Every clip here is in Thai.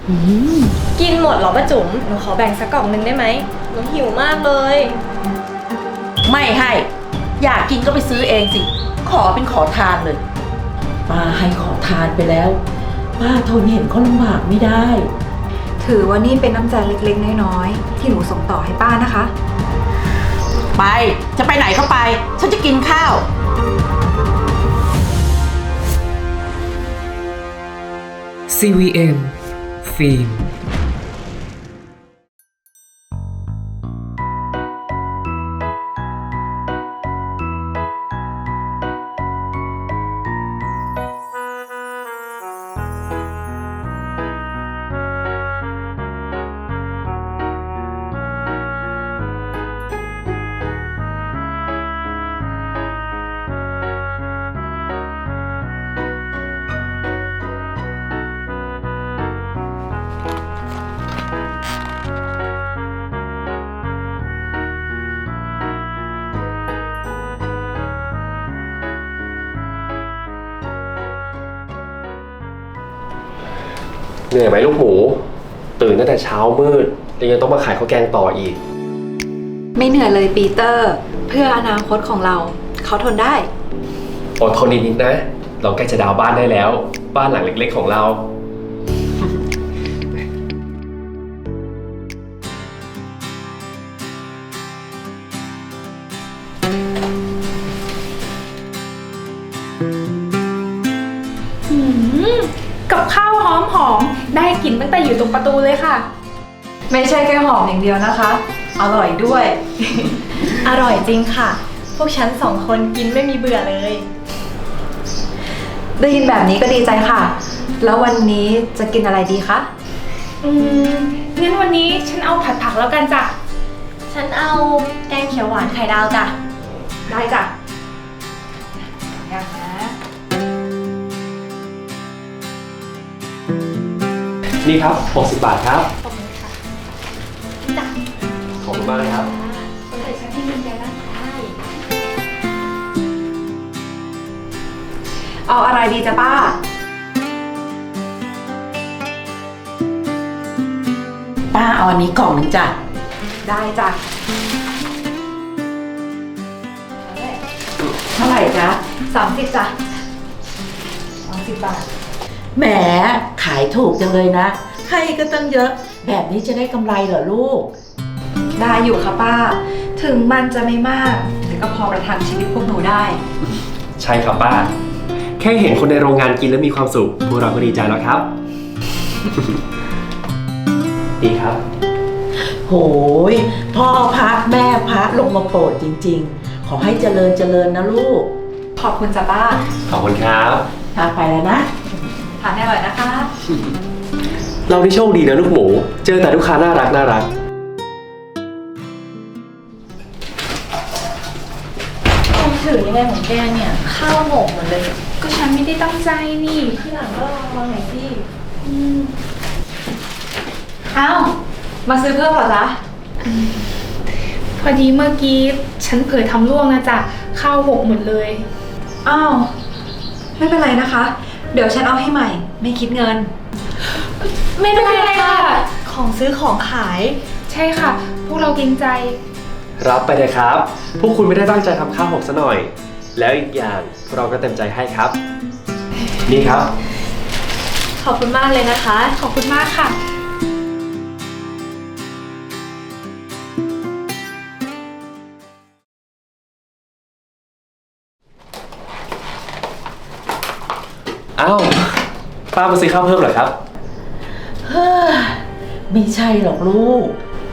อืมกินหมดเหรอป้าจุ๋มหนูขอแบ่งสักกล่องนึงได้ไหมหนูหิวมากเลยไม่ให้ อยากกินก็ไปซื้อเองสิ ขอเป็นขอทานเลย ป้าให้ขอทานไปแล้ว ป้าทนเห็นเขาลำบากไม่ได้ถือว่านี่เป็นน้ำใจเล็กๆน้อยๆที่หนูส่งต่อให้ป้านะคะไปจะไปไหนก็ไป ฉันจะกินข้าว CVM ฟิล์มเหนื่อยไหมลูกหมูตื่นตั้งแต่เช้ามืดแล้วยังต้องมาขายข้าวแกงต่ออีกไม่เหนื่อยเลยปีเตอร์ เพื่ออนาคตของเราเขาทนได้อดทนนิดๆนะ เราใกล้จะดาวน์บ้านได้แล้ว บ้านหลังเล็กๆของเรากับข้าวหอมๆได้กลิ่นตั้งแต่อยู่ตรงประตูเลยค่ะไม่ใช่แค่หอมอย่างเดียวนะคะ อร่อยด้วยอร่อยจริงค่ะ พวกฉันสองคนกินไม่มีเบื่อเลยได้ยินแบบนี้ก็ดีใจค่ะ แล้ววันนี้จะกินอะไรดีคะงั้นวันนี้ฉันเอาผัดผักแล้วกันจ้ะฉันเอาแกงเขียวหวานไข่ดาวจ้ะได้จ้ะอย่างนะนี่ครับ60 บาทครับขอบคุณค่ะจ้ะขอบคุณมากนะครับคนไหนฉันที่มีใจร่างกายเอาอะไรดีจ๊ะป้าป้าเอาอันนี้กล่องหนึ่งจ้ะได้จ้ะเท่าไหร่จ๊ะ 30จ้ะ30 บาทแหมขายถูกจังเลยนะ ให้ก็ตั้งเยอะ แบบนี้จะได้กำไรเหรอลูกได้อยู่ค่ะป้า ถึงมันจะไม่มาก แต่ก็พอประทังชีวิตพวกหนูได้ใช่ครับป้า แค่เห็นคนในโรงงานกินแล้วมีความสุขพวกเราก็ดีใจแล้วครับ ดีครับโหยพ่อพระแม่พระลงมาโปรดจริงๆ ขอให้เจริญเจริญนะลูกขอบคุณจ้ะป้าขอบคุณครับพาไปแล้วนะทานให้อร่อยนะคะเราได้โชคดีนะลูกหมู เจอแต่ลูกค้าน่ารักน่ารักต้องถือยังไงของแกเนี่ย ข้าวหมกหมดเลยก็ฉันไม่ได้ตั้งใจนี่ที่หลังก็ลองหน่อยสิอ้าว มาซื้อเพิ่มเหรอจ๊ะพอดีเมื่อกี้ฉันเผลอทำร่วงนะจ๊ะข้าวหกหมดเลยอ้าว ไม่เป็นไรนะคะ เดี๋ยวฉันเอาให้ใหม่ ไม่คิดเงินไม่เป็นไรค่ะของซื้อของขายใช่ค่ะ พวกเราเกรงใจรับไปเลยครับ พวกคุณไม่ได้ตั้งใจทำข้าวหกซะหน่อย แล้วอีกอย่างเราก็เต็มใจให้ครับ นี่ครับขอบคุณมากเลยนะคะขอบคุณมากค่ะอ้าว ป้ามาซื้อข้าวเพิ่มเหรอครับเฮ้อไม่ใช่หรอกลูก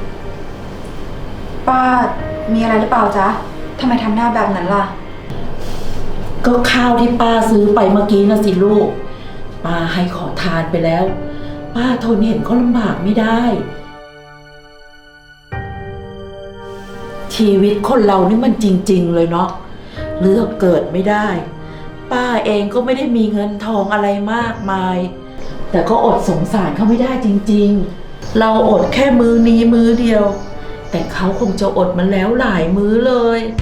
ป้า มีอะไรหรือเปล่าจ๊ะทำไมทำหน้าแบบนั้นล่ะก็ข้าวที่ป้าซื้อไปเมื่อกี้นะสิลูก ป้าให้ขอทานไปแล้ว ป้าทนเห็นเขาลำบากไม่ได้ ชีวิตคนเรานี่มันจริงๆเลยเนาะ เลือกเกิดไม่ได้ ป้าเองก็ไม่ได้มีเงินทองอะไรมากมาย แต่ก็อดสงสารเขาไม่ได้จริงๆ เราอดแค่มื้อนี้มื้อเดียว แต่เขาคงจะอดมันแล้วหลายมื้อเลย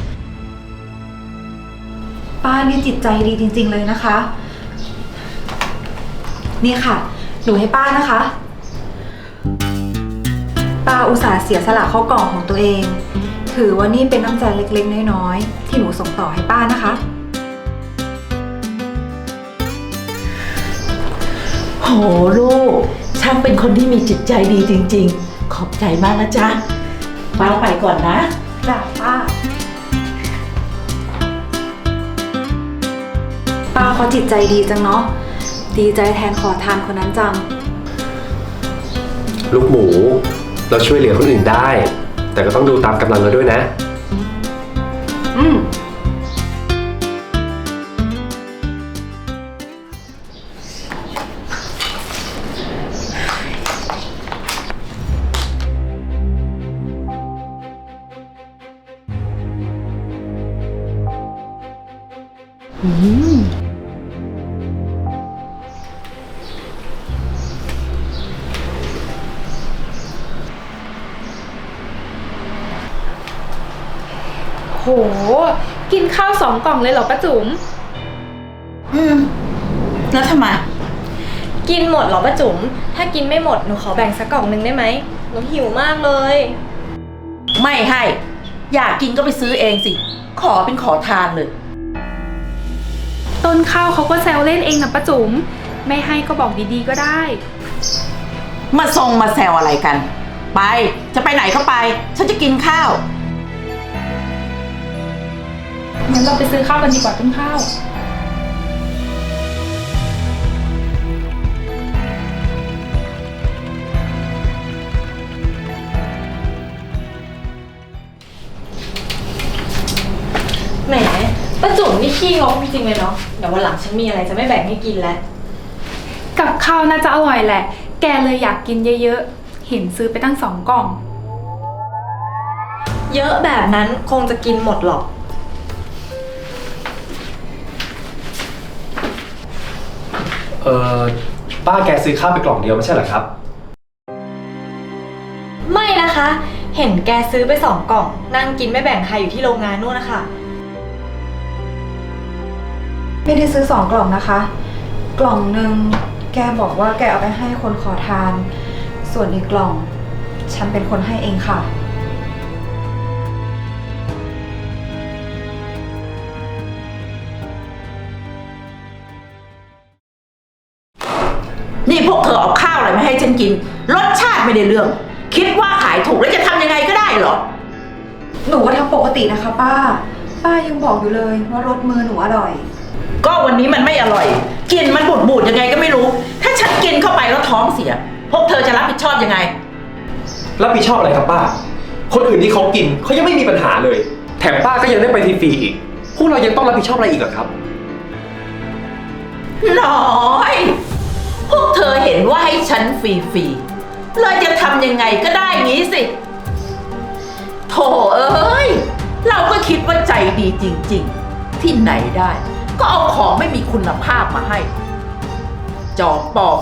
ป้านี่จิตใจดีจริงๆเลยนะคะ นี่ค่ะ หนูให้ป้านะคะป้าอุตส่าห์เสียสละเข้ากล่องของตัวเอง ถือว่านี่เป็นน้ำใจเล็กๆน้อยๆที่หนูส่งต่อให้ป้านะคะโหลูกช่างเป็นคนที่มีจิตใจดีจริงๆ ขอบใจมากนะจ๊ะป้าไปก่อนนะจ้ะป้า ป้าเขาจิตใจดีจังเนาะ ดีใจแทนขอทานคนนั้นจังลูกหมู เราช่วยเหลือคนอื่นได้ แต่ก็ต้องดูตามกำลังเราด้วยนะอืมโห กินข้าว2 กล่องเลยเหรอป้าจุ๋มแล้วทำไมกินหมดเหรอป้าจุ๋ม ถ้ากินไม่หมดหนูขอแบ่งสักกล่องหนึ่งได้ไหม หนูหิวมากเลยไม่ให้ อยากกินก็ไปซื้อเองสิ ขอเป็นขอทานเลยต้นข้าวเขาก็แซวเล่นเองนะป้าจุ๋ม ไม่ให้ก็บอกดีๆก็ได้มาทรงมาแซวอะไรกัน ไป จะไปไหนก็ไป ฉันจะกินข้าวงั้นเราไปซื้อข้าวกันดีกว่าต้นข้าวแหมป้าจุ๋มนี่ขี้งกจริงๆเลยเนาะ เดี๋ยววันหลังฉันมีอะไรจะไม่แบ่งให้กินแล้วกับข้าวน่าจะอร่อยแหละ แกเลยอยากกินเยอะๆ เห็นซื้อไปตั้ง2 กล่องเยอะแบบนั้นคงจะกินหมดหรอกป้าแกซื้อข้าวไปกล่องเดียวไม่ใช่เหรอครับไม่นะคะ เห็นแกซื้อไป2 กล่อง นั่งกินไม่แบ่งใครอยู่ที่โรงงานนู่นนะคะไม่ได้ซื้อ2 กล่องนะคะ กล่องหนึ่งแกบอกว่าแกเอาไปให้คนขอทาน ส่วนอีกกล่อง ฉันเป็นคนให้เองค่ะนี่พวกเธอเอาข้าวอะไรมาให้ฉันกิน รสชาติไม่ได้เรื่อง คิดว่าขายถูกแล้วจะทำยังไงก็ได้เหรอหนูก็ทำปกตินะคะป้า ป้ายังบอกอยู่เลยว่ารสมือหนูอร่อยก็วันนี้มันไม่อร่อย กินมันบูดๆยังไงก็ไม่รู้ ถ้าฉันกินเข้าไปแล้วท้องเสีย พวกเธอจะรับผิดชอบยังไงรับผิดชอบอะไรครับป้า คนอื่นที่เขากินเขายังไม่มีปัญหาเลย แถมป้าก็ยังได้ไปฟรีๆอีก พวกเรายังต้องรับผิดชอบอะไรอีกเหรอครับน้อย พวกเธอเห็นว่าให้ฉันฟรีๆเลยจะทำยังไงก็ได้งี้สิ โถเอ้ย เราก็คิดว่าใจดีจริงๆ ที่ไหนได้ ก็เอาของไม่มีคุณภาพมาให้ จอมปลอม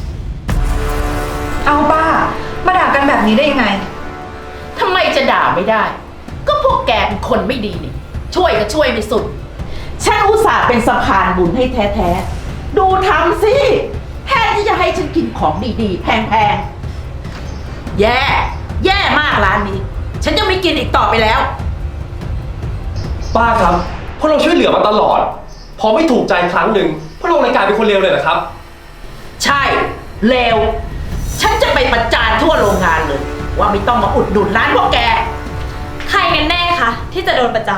เอาป้า มาด่ากันแบบนี้ได้ยังไงทำไมจะด่าไม่ได้ ก็พวกแกเป็นคนไม่ดีนี่ ช่วยก็ช่วยไม่สุด ฉันอุตส่าห์เป็นสะพานบุญให้แท้ๆ ดูทำสิแทนที่จะให้ฉันกินของดีๆ แพงๆ แย่มากร้านนี้ ฉันจะไม่กินอีกต่อไปแล้วป้าครับพวกเราช่วยเหลือมาตลอด พอไม่ถูกใจครั้งหนึ่งพวกเราเลยกลายเป็นคนเลวเลยเหรอครับใช่เลวฉันจะไปประจานทั่วโรงงานเลย ว่าไม่ต้องมาอุดหนุนร้านพวกแกใครกันแน่คะที่จะโดนประจาน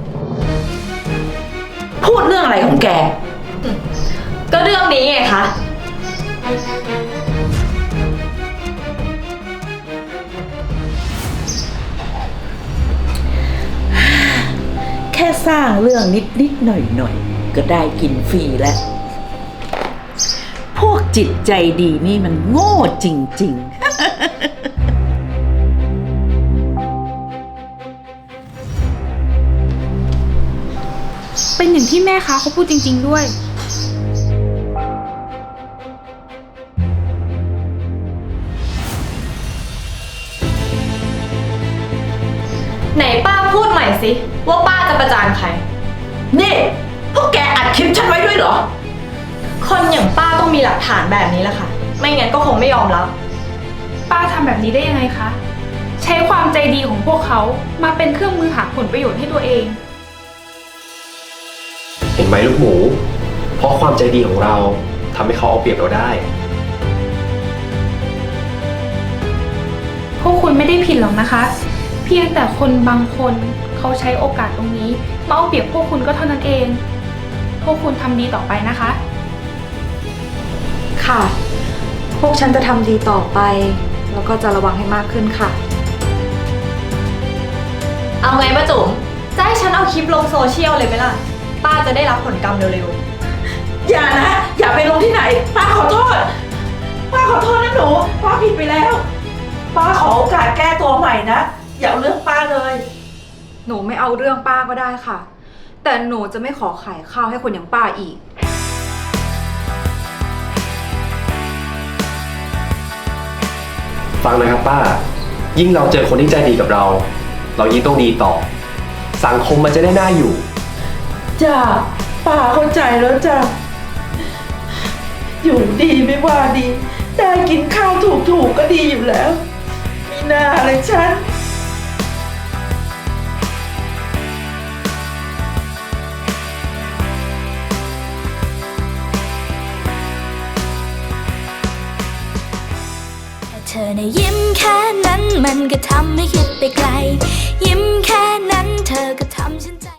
พูดเรื่องอะไรของแกก็เรื่องนี้ไงคะแค่สร้างเรื่องนิดๆหน่อยๆก็ได้กินฟรีแล้ว พวกจิตใจดีนี่มันโง่จริงๆเป็นอย่างที่แม่ค้าเขาพูดจริงๆด้วยไหนป้าพูดใหม่สิว่าป้าจะประจานใครนี่ พวกแกอัดคลิปฉันไว้ด้วยเหรอคนอย่างป้าต้องมีหลักฐานแบบนี้แหละค่ะ ไม่งั้นก็คงไม่ยอมรับป้าทำแบบนี้ได้ยังไงคะใช้ความใจดีของพวกเขามาเป็นเครื่องมือหาผลประโยชน์ให้ตัวเองเห็นไหมลูกหมู เพราะความใจดีของเราทำให้เขาเอาเปรียบเราได้พวกคุณไม่ได้ผิดหรอกนะคะ เพียงแต่คนบางคนเขาใช้โอกาสตรงนี้มาเอาเปรียบพวกคุณก็เท่านั้นเอง พวกคุณทำดีต่อไปนะคะค่ะ พวกฉันจะทำดีต่อไป แล้วก็จะระวังให้มากขึ้นค่ะเอาไงป้าจุ๋มจะให้ฉันเอาคลิปลงโซเชียลเลยไหมล่ะ ป้าจะได้รับผลกรรมเร็วอย่านะ อย่าไปลงที่ไหน ป้าขอโทษ ป้าขอโทษนะหนู ป้าผิดไปแล้ว ป้าขอโอกาสแก้ตัวใหม่นะ อย่าเอาเรื่องป้าเลยหนูไม่เอาเรื่องป้าก็ได้ค่ะ แต่หนูจะไม่ขอขายข้าวให้คนอย่างป้าอีกฟังนะครับป้า ยิ่งเราเจอคนที่ใจดีกับเรา เรายิ่งต้องดีต่อ สังคมมันจะได้น่าอยู่จ้าป้าเข้าใจแล้วจ้ะอยู่ดีไม่ว่าดี ได้กินข้าวถูกๆก็ดีอยู่แล้ว มีหน้าอะไรฉันเธอในะยิ้มแค่นั้นมันก็ทำให้คิดไปไกล ยิ้มแค่นั้นเธอก็